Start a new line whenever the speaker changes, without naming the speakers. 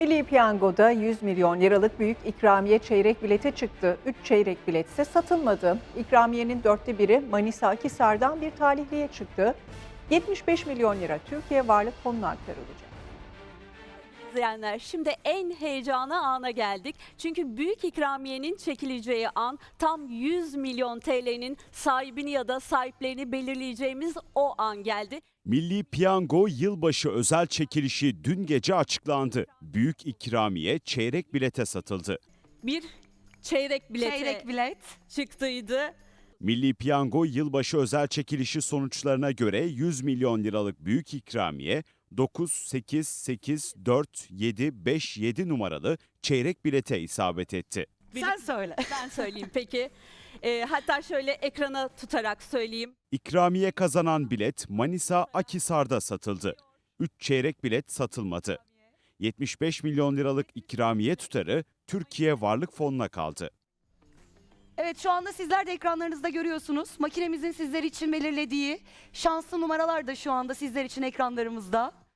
Milli Piyango'da 100 milyon liralık büyük ikramiye çeyrek bilete çıktı. 3 çeyrek bilet ise satılmadı. İkramiyenin 1/4'ü Manisa Akhisar'dan bir talihliye çıktı. 75 milyon lira Türkiye Varlık Fonu'na aktarılacak.
İzleyenler, şimdi en heyecanlı ana geldik. Çünkü büyük ikramiyenin çekileceği an, tam 100 milyon TL'nin sahibini ya da sahiplerini belirleyeceğimiz o an geldi.
Milli Piyango yılbaşı özel çekilişi dün gece açıklandı. Büyük ikramiye çeyrek bilete satıldı.
Bir çeyrek bilete
Çeyrek bilet.
çıktıydı.
Milli Piyango yılbaşı özel çekilişi sonuçlarına göre 100 milyon liralık büyük ikramiye 9, 8, 8, 4, 7, 5, 7 numaralı çeyrek bilete isabet etti.
Sen söyle.
Ben söyleyeyim peki. Hatta şöyle ekrana tutarak söyleyeyim.
İkramiye kazanan bilet Manisa Akhisar'da satıldı. 3 çeyrek bilet satılmadı. 75 milyon liralık ikramiye tutarı Türkiye Varlık Fonu'na kaldı.
Evet, şu anda sizler de ekranlarınızda görüyorsunuz. Makinemizin sizler için belirlediği şanslı numaralar da şu anda sizler için ekranlarımızda.